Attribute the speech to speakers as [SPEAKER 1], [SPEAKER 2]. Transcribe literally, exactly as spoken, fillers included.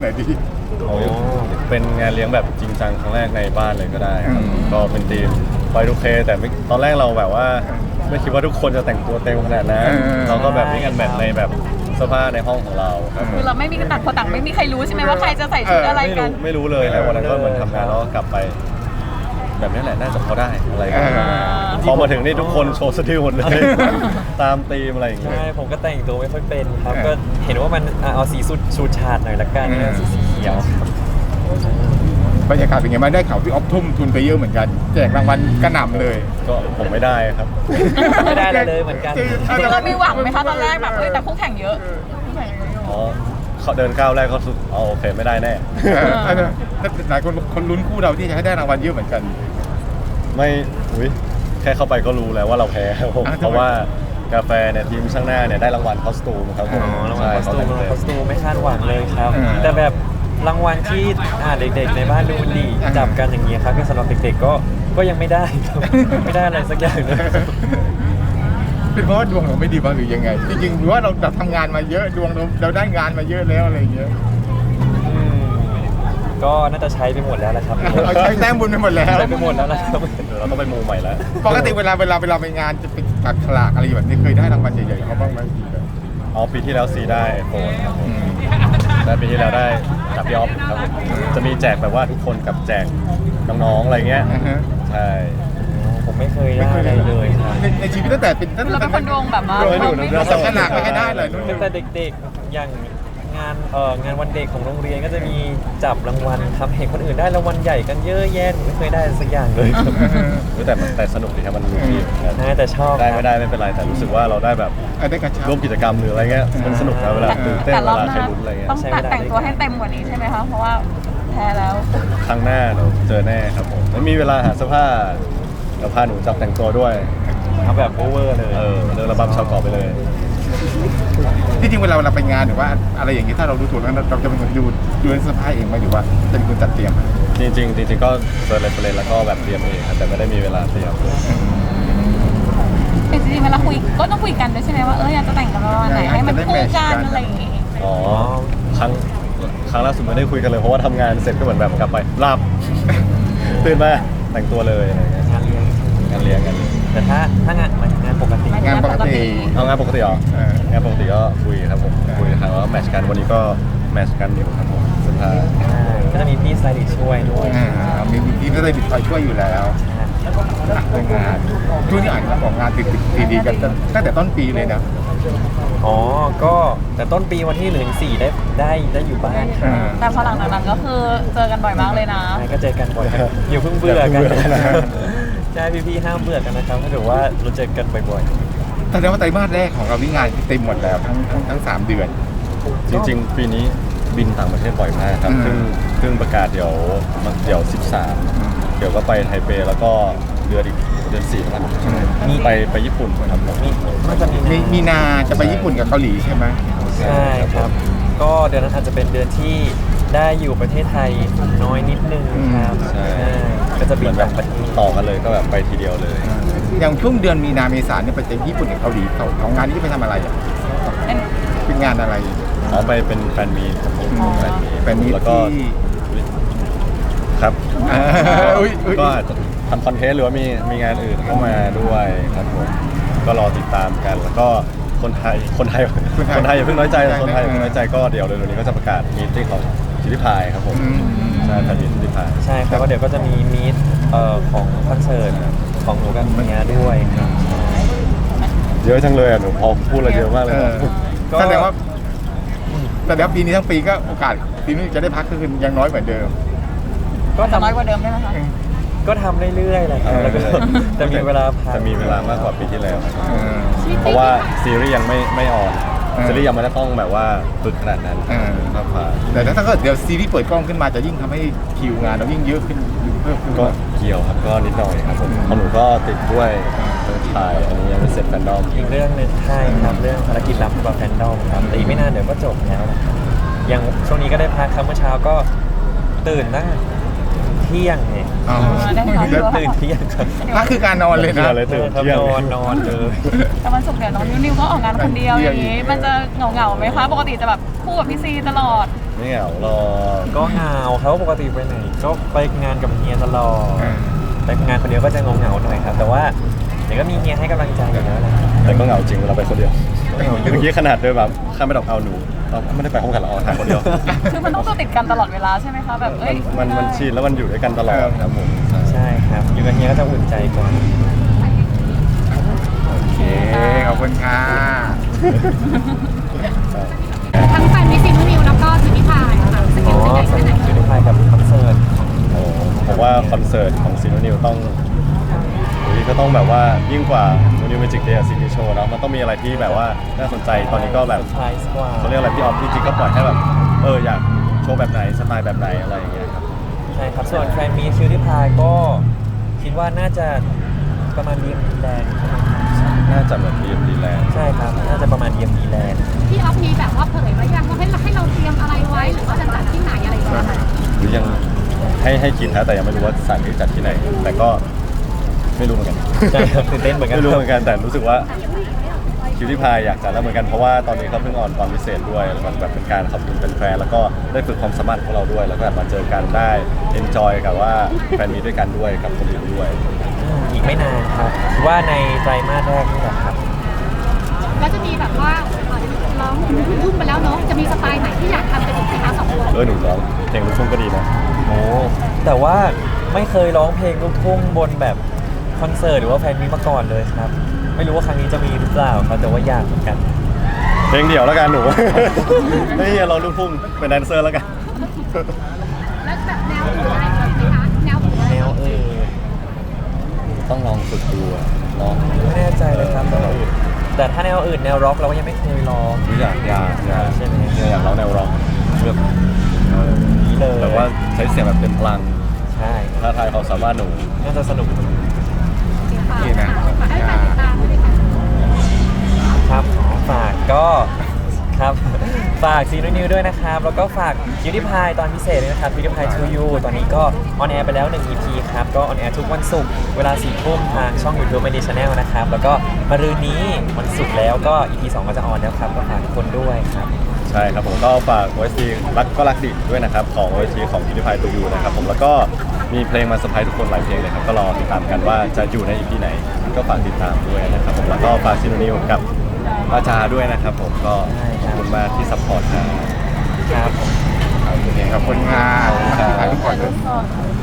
[SPEAKER 1] ไหนดี
[SPEAKER 2] โอ้เป็นงานเลี้ยงแบบจริงจังครั้งแรกในบ้านเลยก็ได้ครับก็เป็นทีมไฟดูเคแต่ไม่ตอนแรกเราแบบว่าไม่คิดว่าทุกคนจะแต่งตัวเต็มขนาดนั้นเราก็แบบนี่กันแบบในแบบเสื้อผ้าในห้องของเราครับ
[SPEAKER 3] คือเราไม่มีกระตัดคนต่างไม่มีใครรู้ใช่ไหมว่าใครจะใส่ชุดอะไร
[SPEAKER 2] ไม่
[SPEAKER 3] กั
[SPEAKER 2] รู้
[SPEAKER 3] น
[SPEAKER 2] ไม่รู้เลยครับวันนั้นก็เหมือนทำงานแล้วก็กลับไป แบบนี้แหละน่าจะพอได้อะไรกันพอมาถึงนี่ทุกคนโชว์สติลหมดเลยตามธีมอะไรอย่างเงี้ย
[SPEAKER 4] ใช่ผมก็แต่งตัวไม่ค่อยเป็นครับก็เห็นว่ามันอ่ะเอาสีสุดชูชาดหน่อยละกันนะสีเขียวครับ
[SPEAKER 1] บรรยากาศเป็นไงบ้างได้ข่าวพี่ออฟทุ่มทุนไปเยอะเหมือนกันแจกรางวัลกระหน่ำเลย
[SPEAKER 2] ก็ผมไม่ได้ครับ
[SPEAKER 4] ไม่ได้อะไรเลยเหมือนกัน
[SPEAKER 3] เราไม่หวังไหมคะตอนแรกแบบเอ้ยแต่คู่แข่งเยอะ
[SPEAKER 2] อ๋อเขาเดินก้าวแรกก็สุดอ๋อโอเคไม่ได้แน่
[SPEAKER 1] เออเออหลายคนคนลุ้นคู่เราที่จะให้ได้รางวัลเยอะเหมือนกัน
[SPEAKER 2] ไม่อุ้ยแค่เข้าไปก็รู้แล้วว่าเราแพ้ครับผม
[SPEAKER 1] อ่ะทำไม
[SPEAKER 2] เพราะว่ากาแฟเนี่ยทีมช่างหน้าเนี่ยได้รางวัลคอสตูมครับผม
[SPEAKER 4] อ๋อรางวัล
[SPEAKER 2] ใช่
[SPEAKER 4] คอสตูม
[SPEAKER 2] เขา
[SPEAKER 4] รางวัล
[SPEAKER 2] เต็
[SPEAKER 4] คอสตูมไม่คาดหวังเลยครับ
[SPEAKER 1] อืม
[SPEAKER 4] แต่แบบรางวัลที่อ่าเด็กๆในบ้านดูดีจับกันอย่างเงี้ยครับสำหรับเด็กๆก็ก็ยังไม่ได้ครับไม่ได้อะไรสักอย่างเลย
[SPEAKER 1] เป็นเพราะว่าดวงเราไม่ดีบ้างหรือยังไง จริงๆหรือว่าเราแบบทำงานมาเยอะดวงเราเราได้งานมาเยอะแล้วอะไรอย่างเงี้ย
[SPEAKER 4] อืมก็น่าจะใช้ไปหมดแล้วแหละครับ
[SPEAKER 1] เราใช้แต้มบุญไปหมดแล้ว
[SPEAKER 4] ใช้ไปหมดแล้วนะครับ
[SPEAKER 2] เดี๋ยวเราต้องไปมูใหม่แล้ว
[SPEAKER 1] ปกติเวลาเวลาเวลาไปงานจะเป็นตัดฉลากอะไรแบบนี้เคยได้รางวัลใหญ่ๆเขาบ้างไหมพี่แบบ
[SPEAKER 2] อ๋อปีที่แล้วซีได้โฟนครับผมและปีที่แล้วได้จับพี่ออฟครับผมจะมีแจกแบบว่าทุกคนกับแจกน้องๆอะไรเงี้ย
[SPEAKER 1] อ่าฮะ
[SPEAKER 2] ใช่
[SPEAKER 4] ผมไม่เคยได้อะไรเลยครับ
[SPEAKER 1] ในในชีวิตตั้งแต่เป็นตั้ง
[SPEAKER 3] เรา
[SPEAKER 1] แต่
[SPEAKER 3] เป็นคนดวงแบบว่า
[SPEAKER 2] ดวงไม่
[SPEAKER 3] เรา
[SPEAKER 2] ดู
[SPEAKER 3] ไม่
[SPEAKER 2] ดวง
[SPEAKER 1] จับฉลากไม่ค่อยได้เลย
[SPEAKER 4] ตั้งแต่เด็กๆอย่างงานเอ่องานวันเด็กของโรงเรียนก็จะมีจับรางวัลทำเห็นคนอื่นได้รางวัลใหญ่กันเยอะแยะผมไม่เคยได้สักอย่างเลยครับ
[SPEAKER 2] แต่มันแต่สนุกดีครับมันมีที่
[SPEAKER 4] น่าแต่ชอบ
[SPEAKER 2] ได้ไม่ได้ไม่เป็นไรแต่รู้สึกว่าเราได้แบบ
[SPEAKER 1] เออได้กระชับ
[SPEAKER 2] ร่วมกิจกรรมหรืออะไรเงี้ยมันสนุกนะเวลาตื่นเต้น
[SPEAKER 3] แต่
[SPEAKER 2] เว
[SPEAKER 3] รอบ
[SPEAKER 2] ลา
[SPEAKER 3] ห
[SPEAKER 2] ใคร
[SPEAKER 3] น้า
[SPEAKER 2] ลุ้นอะไรเงี้ย
[SPEAKER 3] ต้องตัดแต่งตัวให้เต็มกว่านี้ใช่ไหมคะเพราะว่าแพ้แล้ว
[SPEAKER 2] ครั้งหน้าเราเจอแน่ครับผมไม่มีเวลาหาเสื้อผ้าเดี๋ยวพาหนูจับแต่งตัวด้วย
[SPEAKER 4] เอาแบบโอเวอร์เลย
[SPEAKER 2] เออเดินระบำชาวเกาะไปเลย
[SPEAKER 1] ที่จริงเวลาเราไปงานหรือว่าอะไรอย่างนี้ถ้าเราดูถูกแล้วเราจะเป็นคนดูดูเสื้อผ้าเองไหมหรือว่าจะเป็นคนจัดเตรียม
[SPEAKER 2] จริงๆจริงๆก็เจอเรฟเฟรนแล้วก็แบบเตรียมเองครับแต่ไม่ได้มีเวลาเตรียม
[SPEAKER 3] จริงๆเวลาคุยก็ต้องคุยกันด้วยใช่ไหมว่าเอออยากจะแต่งกันประมาณไหนให้มันคู่กันอะไรอย่างงี้
[SPEAKER 2] อ๋อครั้งครั้งล่าสุดไม่ได้คุยกันเลยเพราะว่าทำงานเสร็จก็เหมือนแบบกลับไปหลับ ตื่นมาแต่งตัวเลยอะไรเงี้ย
[SPEAKER 4] งานเลี้ยง
[SPEAKER 2] งานเลี้ยงกันเลย
[SPEAKER 4] แต่ถ้าถ้างานงานปกติ
[SPEAKER 1] งานปกติ
[SPEAKER 2] เอางานปกติเหรอ
[SPEAKER 1] เออ
[SPEAKER 2] งานปกติก็คุยครับผมคุยทางว่าแมทช์กันวันนี้ก็แมทช์กันอยู่ครับผมสุดท้าย
[SPEAKER 4] ใช่ก็จะมีพี่สไตลิสต์ช่วยด้วย
[SPEAKER 1] อ่ามีทีมก็เลยติดคอยช่วยอยู่แล้วเรื่องงานช่วงนี้อ่านของงานติดติดดีๆกันตั้งแต่ต้นปีเลยนะ
[SPEAKER 4] อ๋อก็แต่ต้นปีวันที่หนึ่งถึงสี่ได้ได้ได้อยู่บ้านครับ
[SPEAKER 3] แต่พอหลังจากนั้นก็คือเจอกันบ่อยมากเลยนะ
[SPEAKER 4] ใช่ก็เจอกันบ่อยครับอย่าเพิ่งเบื่อกันใช่พี่ๆห้ามเบื่อกันนะครับถ้าเกิดว่าเราเจอกันบ่อย
[SPEAKER 1] แสดงว่าไตรมาสแรกของเรานี่งานเต็มหมดแล้วทั้งทั้งทั้งสามเดือน
[SPEAKER 2] จริงๆ ปีนี้บินต่างประเทศบ่อยมากครับ
[SPEAKER 1] อืม
[SPEAKER 2] เพิ่งเพิ่งประกาศเดี๋ยวเดี๋ยวสิบสามเดี๋ยวก็ไปไทเปแล้วก็เดือนอีกเดือนสี่แล้วมีไปไปญี่ปุ่นครับผม
[SPEAKER 4] ๆมีน่าจะมี
[SPEAKER 1] มีมีนาจะไปญี่ปุ่นกับเกาหลีใช่ไหม
[SPEAKER 4] ใช่ครับ ก็เดือนนั้นอาจจะเป็นเดือนที่ได้อยู่ประเทศไทยน้อยนิดนึงครับ
[SPEAKER 2] ใช่
[SPEAKER 4] ใช่ก็จะ
[SPEAKER 2] เห
[SPEAKER 4] บิ
[SPEAKER 2] มื
[SPEAKER 4] น
[SPEAKER 2] อนแบ
[SPEAKER 4] ต่า
[SPEAKER 2] บ
[SPEAKER 4] งประเทศ
[SPEAKER 2] ต่อกันเลยก็แบบไปทีเดียวเลย
[SPEAKER 1] อย่างช่วงเดือนมีนาเมษาเนี่ยไปเจอญี่ปุ่นกับเกาหลีเขาของงานนี้จะไปทำอะไรอ่ะ
[SPEAKER 3] เป็น
[SPEAKER 1] เป็นงานอะไร
[SPEAKER 2] อ๋อไปเป็นแฟนมีตครับผม
[SPEAKER 3] อ๋อ
[SPEAKER 2] แฟนมีต
[SPEAKER 1] แฟนมีต
[SPEAKER 2] แล้วก็
[SPEAKER 1] ที่
[SPEAKER 2] อุ๊ยครับ
[SPEAKER 1] เอออุ๊ยอุ๊ย
[SPEAKER 2] ก็อาจจะทำคอนเทนต์หรือว่ามีมีงานอื่นเข้ามาด้วยครับผมก็รอติดตามกัน แล้วก็คนไทยคนไทยคนไทยอย่าเพิ่งน้อยใจคนไทยอย่าเพิ่งน้อยใจก็เดี๋ยวเร็วๆนี้ก็จะประกาศมีตติ้งของชิลิพายครับผม
[SPEAKER 1] อืม
[SPEAKER 2] ใช่แฟนมีตชิลิพาย
[SPEAKER 4] ใช่ครับก็เดี๋ยวก็จะมีมีตเอ่อของคอนเสิร์ตของหนูกับเมียด้วยครับ
[SPEAKER 2] เยอะจังเลยอ่ะหนูพอพูดอะไรเยอะมากเลย
[SPEAKER 1] เอ
[SPEAKER 2] นะ
[SPEAKER 1] อ
[SPEAKER 4] ก็
[SPEAKER 1] แสดงว่าแสดงว่าปีนี้ทั้งปีก็โอกาสปีนี้จะได้พักก็คือยังน้อยเหมือนเดิม
[SPEAKER 4] ก็
[SPEAKER 3] จะน้อย
[SPEAKER 4] ทำ
[SPEAKER 3] กว่าเดิมได้ไหมคะ
[SPEAKER 4] ก็ทำเรื่อยๆแหละครับแล้วก็จะมีเวลาพัก
[SPEAKER 2] จะมีเวลามากกว่าปีที่แล้วครับ
[SPEAKER 1] เออ
[SPEAKER 2] เพราะว่าซีรีส์ยังไม่ไม่ออน
[SPEAKER 1] เออ
[SPEAKER 2] ซีรีส์ยังไม่ได้ต้องแบบว่าฝึกขนาดนั้น
[SPEAKER 1] เออ
[SPEAKER 2] ครับผ่าน
[SPEAKER 1] แต่ถ้าเกิดเดี๋ยวซีรีส์เปิดกล้องขึ้นมาจะยิ่งทำให้คิวงานเรายิ่งเยอะขึ้นเพิ่มขึ้น
[SPEAKER 2] ก็เกี่ยวครับก็นิดหน่อยครับผมของหนูก็ติดด้วยเรื่องถ่ายอันนี้ยังไม่เสร็จแฟนดอม
[SPEAKER 4] อีกเรื่องหนึงใช่ครับเรื่องภารกิจลับกับแฟนดอมครับแต่อีกไม่นานเดี๋ยวก็จบแล้วนะครับอย่างช่วงนี้ก็ได้พักครับเมื่อเช้าก็ตื่นตั้งเที่ยงเนี่ย
[SPEAKER 1] อ๋อ
[SPEAKER 3] ได้นอนด้วย
[SPEAKER 4] ตื่นเที่ยงครับ
[SPEAKER 1] พักคือการนอนเลยนะ
[SPEAKER 2] เลยตื่น
[SPEAKER 4] ครับ
[SPEAKER 2] เที่ยง
[SPEAKER 4] นอนนอนเลย
[SPEAKER 3] แต่วันศุกร์เดี๋ยวน้องนิวนิวก็ออกงานคนเดียวอย่างนี้ มันจะเหงาๆไหมคะปกติจะแบบคู่กับพี่ซีตลอด
[SPEAKER 2] ไไม่เหงาหรอก
[SPEAKER 4] ก็เหงาเขาปกติไปไหนก็ไปงานกับเฮียตลอด
[SPEAKER 1] เออ
[SPEAKER 4] ไปงานคนเดียวก็จะงงเหงาๆหน่อยครับ แต่ว่าเดี๋ยวก็มีเฮียให้กำลังใจอยู่แล้วแหละ
[SPEAKER 2] แต่ก็เหงาจริงเวลาไปคนเดียว
[SPEAKER 4] เหงาอยู่
[SPEAKER 2] เมื่อกี้ขนาดเดินแบบข้ามไปดอกเอาหนูเราไม่ได้ไปห้องกันเราเอาถ่ายคนเดียว
[SPEAKER 3] คือมันต้องตัวติดกันตลอดเวลาใช่ไหมคะแบบเอ้
[SPEAKER 2] มัน
[SPEAKER 3] ย
[SPEAKER 2] มันมันชินแล้วมันอยู่ด้วยกันตลอดครับผม
[SPEAKER 4] ใช่ครับอยู่กับเฮียก็จะอุ่นใจกว่า
[SPEAKER 1] โอเคขอบคุณค่ะ
[SPEAKER 5] ทั้งแฟนมิสซิ่งนิวแล้วก็ซินิพายค่ะส
[SPEAKER 4] อ๋
[SPEAKER 5] กิ
[SPEAKER 4] อ
[SPEAKER 5] ลเป็นใหญ่
[SPEAKER 4] ส
[SPEAKER 5] แค่ไหน
[SPEAKER 4] นิทอยู่ในกับคอนเสิร์ต
[SPEAKER 2] โอ้ผมว่าคอนเสิร์ตของซีโนนิวต้องหรือก็ต้องแบบว่ายิ่งกว่าโนนิวเมจิกเดย์ซีนีโชว์เนาะมันต้องมีอะไรที่แบบว่าน่าสนใจตอนนี้ก็แบบ
[SPEAKER 4] เซอร์ไพรส์กว่า
[SPEAKER 2] เขาเรียกอะไรพี่ออฟจริงๆก็ปล่อยให้แบบเอออยากโชว์แบบไหนสไตล์แบบไหนอะไรอย่างเงี้ยครับ
[SPEAKER 4] ใช่ครับส่วนแฟนมีคิวที่พายก็คิดว่าน่าจะประมาณเดียมดีแลนด์
[SPEAKER 2] น่าจะเหมือนดีดีแลนด์
[SPEAKER 4] ใช่ครับน่าจะประมาณเดียมดีแลนด์
[SPEAKER 5] พี่ออฟมีแบบว่าเผยไว้ยังว่าให้เราให้เราเตรียมอะไรไว้หรือว่าจะจัดที่ไหนอะไรอย่างเงี้ยค่ะ
[SPEAKER 2] หรือยังให้ให้คิดนะแต่ยังไม่รู้ว่าสถานที่จัดที่ไหน แต่ก็ไม่รู้เหมือนกัน
[SPEAKER 4] ใช่ครับตื่นเต้นเหมือนกัน
[SPEAKER 2] ไม่รู้เหมือนกันแต่รู้สึกว่าคิวที่พายอยากจัดแล้วเหมือนกันเพราะว่าตอนนี้เขาเพิ่งออนตอนพิเศษด้วยมันแบบเป็นการขอบคุณแฟนๆแล้วก็ได้ฝึกความสามารถของเราด้วย แล้วก็แบบมาเจอกันได้เอนจอยกับว่าแฟนมีด้วยกันด้วยกับคนอื่นด้วย
[SPEAKER 4] อืมอีกไม่นานครับคิดว่าในไตรมาสแรกนี่แหละครับ
[SPEAKER 5] แล้วจะมีแบบว่าร้องลูกทุ่งไปแล้วเนาะจะมีสไตล์ไหนที่อยากทำเป็นอีกไหมคะสองคน
[SPEAKER 2] เออหนูร้องเพลงลูกทุ่งก็ดีนะ
[SPEAKER 4] โอ้แต่ว่าไม่เคยร้องเพลงลูกทุ่งบนแบบคอนเสิร์ตหรือว่าแฟนมีมาก่อนเลยครับ ไม่รู้ว่าครั้งนี้จะมีหรือเปล่าครับแต่ว่าอยากเหมือนกัน
[SPEAKER 2] เพลงเดี่ยวแล้วกันหนู ไม่อย่าร้องลูกทุ่งเป็นแดนเซอร์แล้วกัน
[SPEAKER 5] แล้วแบบแนวอื่นอะไรไหมคะแนวอื่นอะไร
[SPEAKER 4] แนวเออ
[SPEAKER 2] ต้องลองฝึกดูอะเนาะ
[SPEAKER 4] ไม่แน่ใจเลยครับแนวอื่นแต่ถ้าแนวอื่นแนวร็อกเราก็ยังไม่เคยร้อง
[SPEAKER 2] อยากอยากอยาก
[SPEAKER 4] ใช่ไหม
[SPEAKER 2] เนี่ยอยากร้องแนวร็อกแบบ
[SPEAKER 4] นี้เลย
[SPEAKER 2] แบบว่าใช้เสียงแบบเต็มพลัง
[SPEAKER 4] ใช่
[SPEAKER 2] ท้าทายความสามารถหนู
[SPEAKER 4] น่าจะสนุก
[SPEAKER 1] นี่นะ
[SPEAKER 5] ให้แฟนติดตามด้วยค่ะ
[SPEAKER 4] ครับฝากก็ครับ ฝากซีนูนิวด้วยนะครับ แล้วก็ฝากคิวที่พายตอนพิเศษด้วยนะครับคิวที่พายทูยูตอนนี้ก็ออนแอร์ไปแล้วหนึ่ง อี พี ครับ ก็ออนแอร์ทุกวันศุกร์เวลาสี่ทุ่มทางช่อง YouTube ไม่ดีชาแนลนะครับ แล้วก็มะรืนนี้วันศุกร์แล้วก็ อี พี สองก็จะออนแล้วครับ ก็ฝากทุกคนด้วยครับ
[SPEAKER 2] ใช่ครับผมก็ฝาก โอ เอส ที รักก็รักดิด้วยนะครับของ โอ เอส ที ของพิพิธภัณฑ์ตูยูนะครับผมแล้วก็มีเพลงมาเซอร์ไพรส์ทุกคนหลายเพลงเลยครับก็รอติดตามกันว่าจะอยู่ใน อี พี ไหน ก็ฝากติดตามด้วยนะครับผมแล้วก็ฝากซีโนนิวกับอาจารย์ด้วยนะครับผมก็ขอบคุณมากที่ซัพพอร์ตครับ
[SPEAKER 4] ครับ
[SPEAKER 1] โอเคขอบคุณค่ะถ่ายรูปก่อนเลย
[SPEAKER 3] สด